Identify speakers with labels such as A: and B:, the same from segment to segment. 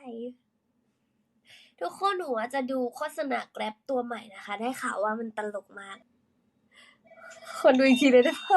A: ทุกคนหนูจะดูโฆษณาแกร็บตัวใหม่นะคะ ได้ข่าวว่ามันตลกมาก คนดูอีกทีเลยได้ปะ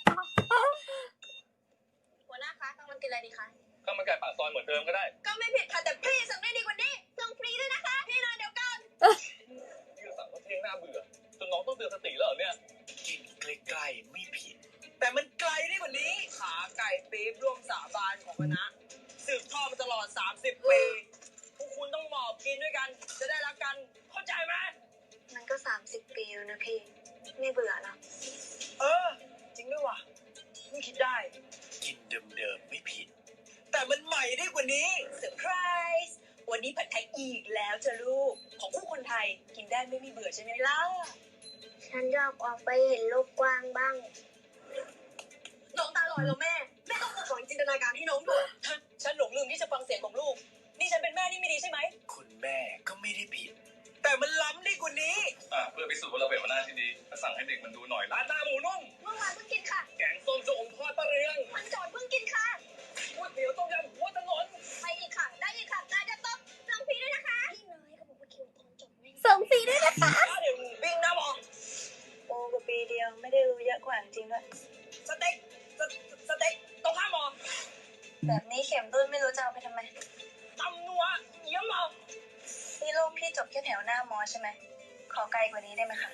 B: หัวหน้าคะข้าวมันกินอะไรดีคะ
C: ข้าวมันไก่ปากซอยเหมือนเดิมก็ได้
B: ก็ไม่ผิดค่ะแต่พี่สั่งได้ดีกว่านี้ส่งฟรีด้วยนะคะพี่นายเดี๋ยวก่อน
C: พี่สั่งว่าเที่ยงหน้าเบื่อจนน้องต้องเตือนสติแล้วเหรอเนี่ย
D: กินใกล้ๆไม่ผิดแต่มันไกลได้กว่านี้ขาไก่ปี๊บร่วมสาบานของคณะสืบทอดมาตลอด30 ปีพวกคุณต้องหมอบกินด้วยกันจะได้รักกันเข้าใจไหม
B: มันก็30 ปีแล้วนะพี่ไม่เบื่อหรอ
D: จริงด้วยว่ะเพิ่งคิดได้กินเดิมๆไม่ผิดแต่มันใหม่ได้กว่านี้เซอร์ไพรส์วันนี้ผัดไทยอีกแล้วจ้ะลูกของคู่คนไทยกินได้ไม่มีเบื่อใช่ไหมล่ะ
B: ฉันอยากออกไปเห็นโลกกว้างบ้างน้องตาลอยแล้วแม่ต้องฝึกฝนจินตนาการให้น้องด้วย
D: ฉันหลงลืมที่จะฟังเสียงของลูกนี่ฉันเป็นแม่ที่ไม่ดีใช่ไหมคุณแม่ก็ไม่ได้ผิดแต่มันล้ำได้กว่านี้
C: เพื่อพิสูจน์ว่าเราเป็นหัวหน้าที่ดีก็สั่งให้เด็กมันดูหน่อยร้านหน้าหมูนุ่ม
B: เมื่อวานเพิ่งกินค่ะ
C: แกงส้มจะอมทอดปลาเรียง
B: มันก่อนเพิ่งกินค่ะ
C: ก๋วยเตี๋ยวต้มยำหัวถนน
B: ไปอีกค่ะได้อีกค่ะนายจะต้องส่งฟรีด้วยนะคะพี่น้อยเขาบอกว่าคิวตอนจบไม่
A: ส่งฟรีด้วยนะคะ
D: เดี๋ยววิ่งนะบอก
B: โอ้กว่าปีเดียวไม่ได้รู้เยอะกว่าจริงด้วย
D: สเต็กตรงข้ามหมอ
B: แบบนี้เข็มรุ่นไม่รู้จะเอาไปทำไม
D: ตำนัวเยี่ยมหมอ
B: นี่ลูกพี่จบแค่แถวหน้ามอใช่ไหมขอไกลกว่านี้ได้ไหมคะ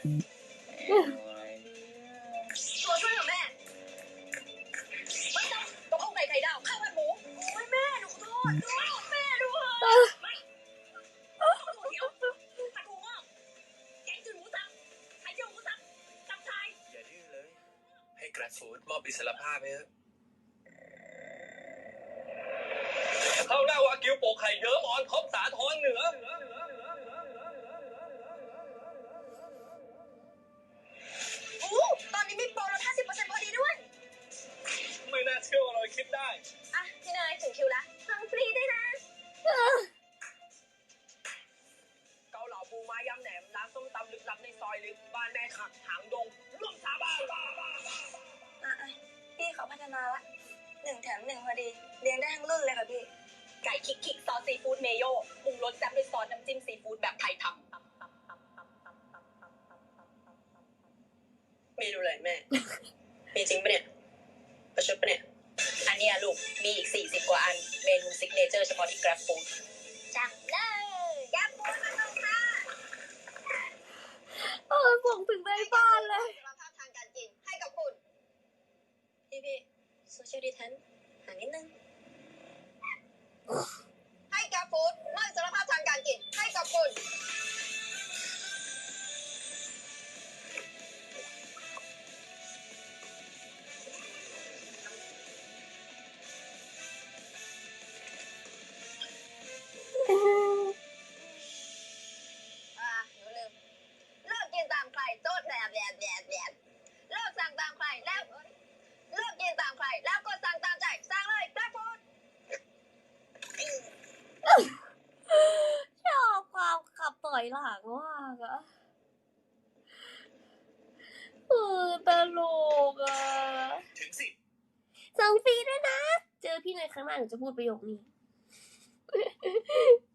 B: ตัวช่วยของแม่ไม่ต้องข้าวไก่ไข่ดาวข้าวผัดหมูโอ้ยแม่หนูขอโทษแม่ดูเหอะไม่ตัวเดียวผัดหมูงอกแกงจืดหมูสับไข่เจียวหมูสับตับไทย
D: อย่าดื้อเลยให้แกร็บฟู้ดมอบอิสรภาพไปเถอะ
C: ข้าวหน้าวากิวโปกไข่เยิ้มอ่อนท็อปสาทรเหนือ
B: ตอนนี้มีโปรลด 50% พอดีด้วย
C: ไม่น่าเชื่อว่าเราคิดได้
B: พี่นายถึงคิวแล้วสั่งฟรีด้วยนะ
D: เกาเหลาปูม้ายำแหนมร้านส้มตำลึกลับในซอยลึกบ้านแม่ขักหางดงร่วมสาบาน
B: พี่เขาพัฒนาละ1 แถม 1พอดีเลี้ยงได้ทั้งรุ่นเลยค่ะพี่
D: ไก่คิกซอสซีฟู้ดเมโยปรุงรสแซ่บด้วยซอสน้ำจิ้มซีฟู้ดแบบไทยทำเมนูอะไรแม่ มีจริงปะเนี่ยประชดปะเนี่ยอันนี้ลูกมีอีก40 กว่าอันเมนูซิกเนเจอร์เฉพาะที่ Grab Food
B: จับเลยGrab Food มาลงค่ะ
A: ส่งถึงในบ้านเลย
B: สารภาพทางการกินให้กับคุณพี่โซเชียลดิสแทนซ์ห่างนิดนึงให้ Grab Food มอบสารภาพทางการกินให้กับคุณหนูลืมเลิกกินตามใครโทษแบบเลิกสั่งตามใครแล้วเลิกกินตามใครแล้วก็สั่งตามใจสั่งเลยGrab Food
A: ชอบความขับต่อยหลังมากอะตลกอะ
D: ถึงสิ
A: ส่งฟรีด้วยนะเจอพี่ในครั้งหน้าหนูจะพูดประโยคนี้